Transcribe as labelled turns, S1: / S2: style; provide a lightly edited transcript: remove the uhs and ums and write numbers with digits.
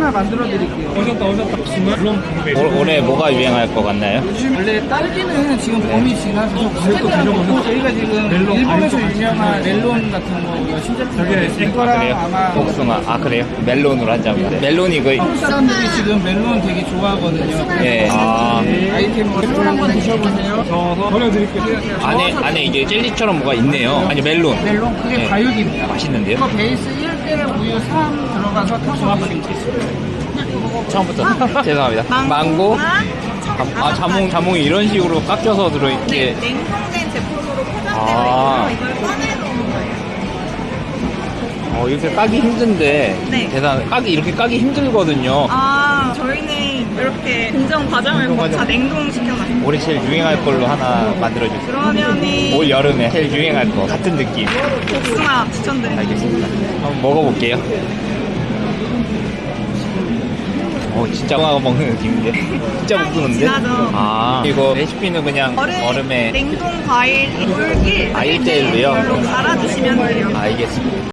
S1: 하나 만들어 드릴게요.
S2: 오셨다. 물론 궁금해.
S3: 올해 뭐가 유행할 것 같나요?
S1: 원래 딸기는 지금 봄이 지나서 스테비아고 저희가 지금
S2: 멜론
S1: 일본에서
S2: 과일
S1: 유명한 멜론 같은 거 신제품 이거랑
S3: 그래요?
S1: 아마
S3: 복숭아. 아, 그래요? 멜론으로 한자면. 멜론이 그,
S1: 한국 사람들이 지금 멜론 되게 좋아하거든요.
S3: 예. 아,
S1: 아이템으로 멜론 한번 드셔보세요.
S2: 저서 버려드릴게요.
S3: 안에 이제 젤리처럼 뭐가 있네요. 아니, 멜론.
S1: 멜론 그게
S3: 네.
S1: 과육입니다.
S3: 맛있는데요?
S1: 이거 베이스 1대 우유 3 들어가서 타서 드릴게요.
S3: 처음부터. 죄송합니다. 망고. 자몽이 이런 식으로 깎여서 들어있게.
S4: 냉동된 제품으로 포장되어
S3: 아.
S4: 있고요. 이걸 꺼내 놓은 거예요.
S3: 이렇게 까기 힘든데.
S4: 네.
S3: 이렇게 까기 힘들거든요.
S4: 아, 저희는 이렇게 공정 과정을 다 냉동시켜가지고.
S3: 올해 제일 유행할 걸로 하나 만들어주세요.
S4: 그러면은
S3: 올 여름에 제일 유행할 거. 같은 느낌.
S4: 복숭아 추천드립니다.
S3: 알겠습니다. 한번 먹어볼게요. 진짜 꽝하고 먹는 느낌인데? 진짜 못 끄는데?
S4: 진하죠.
S3: 아, 이거 레시피는 그냥 얼음에
S4: 냉동 과일 물 1,
S3: 아, 1대1로요?
S4: 이걸로 갈아주시면 돼요.
S3: 알겠습니다.